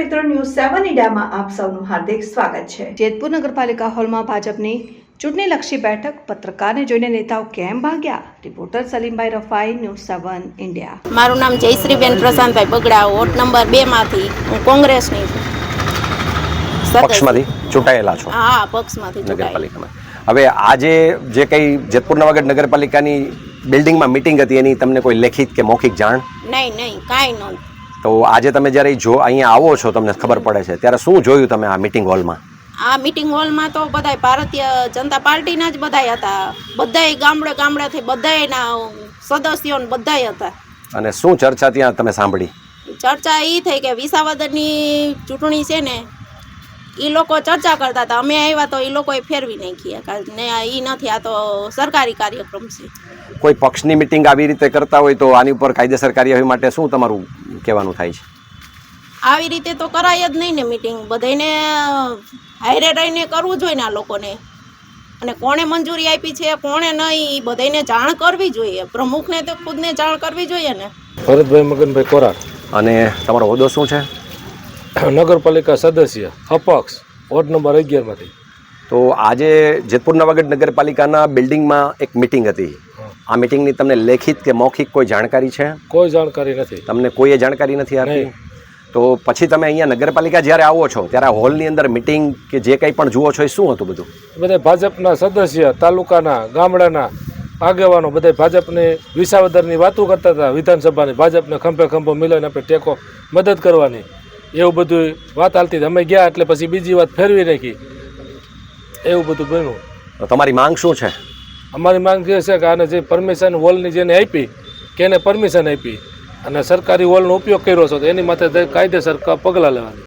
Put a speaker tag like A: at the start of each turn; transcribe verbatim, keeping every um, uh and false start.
A: મિત્રો, ન્યૂઝ સેવન ઇન્ડિયામાં આપ સૌનું હાર્દિક સ્વાગત છે। જેતપુર નગરપાલિકા હોલમાં ભાજપની ચૂંટણીલક્ષી બેઠક, પત્રકારને જોઈને નેતાઓ કેમ ભાગ્યા? Reporter Salimbhai Rafai, news seven India.
B: મારું નામ જયશ્રીબેન પ્રશાંતભાઈ બગડા, વોર્ડ નંબર બે માંથી હું કોંગ્રેસની છું।
C: પક્ષમાંથી ચૂંટાયેલા છો?
B: હા, પક્ષમાંથી
C: નગરપાલિકામાં। હવે આજે જે કંઈ જેતપુર નવાગઢ નગરપાલિકાની બિલ્ડિંગમાં મિટિંગ હતી એની તમને કોઈ લેખિત કે મૌખિક જાણ?
B: નહીં નહીં કાંઈ નહોતું।
C: તો આજે તમે જ્યારે જો અહીંયા આવો છો, તમને ખબર પડે છે, ત્યારે શું જોયું તમે આ મિટિંગ હોલમાં?
B: આ મિટિંગ હોલમાં તો બધાય ભારતીય જનતા પાર્ટીના જ બધાય હતા, બધાય ગામડે ગામડેથી બધાયના સદસ્યો ને બધાય હતા।
C: અને શું ચર્ચા ત્યાં તમે સાંભળી?
B: ચર્ચા એ થઈ કે વિસાવદરની ચૂંટણી છે ને, એ લોકો ચર્ચા કરતા હતા, અમે આવ્યા તો એ લોકોએ ફેરવી નાખી ને એ નથી, આ તો સરકારી કાર્યક્રમ છે।
C: કોઈ પક્ષની મિટિંગ આવી રીતે કરતા હોય તો આની ઉપર કાયદેસર કાર્યવાહી માટે શું તમારું કહેવાનું થાય છે?
B: આવી રીતે તો કરાય જ નહીં ને મિટિંગ, બધાને હારે રહીને કરવું જોઈએ ને આ લોકોને, અને કોણે મંજૂરી આપી છે કોણે નહીં એ બધાને જાણ કરવી જોઈએ, પ્રમુખને તો ખુદને જાણ કરવી જોઈએ ને।
D: ભરતભાઈ મગનભાઈ કોરાટ।
C: અને તમારો હોદ્દો શું છે?
D: નગરપાલિકા સદસ્ય અપક્ષ, વોર્ડ નંબર અગિયાર માંથી।
C: તો આજે જેતપુર નવાગઢ નગરપાલિકાના બિલ્ડિંગમાં એક મિટિંગ હતી, આ મિટિંગની તમને લેખિત કે મૌખિક કોઈ જાણકારી છે?
D: કોઈ જાણકારી નથી,
C: તમને કોઈએ જાણકારી નથી આપી? તો પછી તમે અહીંયા નગરપાલિકા જ્યારે આવો છો ત્યારે આ હોલની અંદર મિટિંગ કે જે કંઈ પણ જુઓ છો એ શું હતું બધું?
D: બધા ભાજપના સદસ્ય, તાલુકાના, ગામડાના આગેવાનો બધા ભાજપની વિસાવદરની વાતો કરતા હતા, વિધાનસભાની ભાજપને ખંભે ખંભો મિલાઈને આપણે ટેકો મદદ કરવાની, એવું બધું વાત હાલતી હતી। અમે ગયા એટલે પછી બીજી વાત ફેરવી નાખી, એવું બધું બન્યું।
C: તો તમારી માંગ શું છે?
D: અમારી માંગ એ છે કે આને જે પરમિશન હોલની જેને આપી કે એને પરમિશન આપી અને સરકારી હોલનો ઉપયોગ કર્યો છો તો એની માથે કાયદેસર પગલાં લેવાની।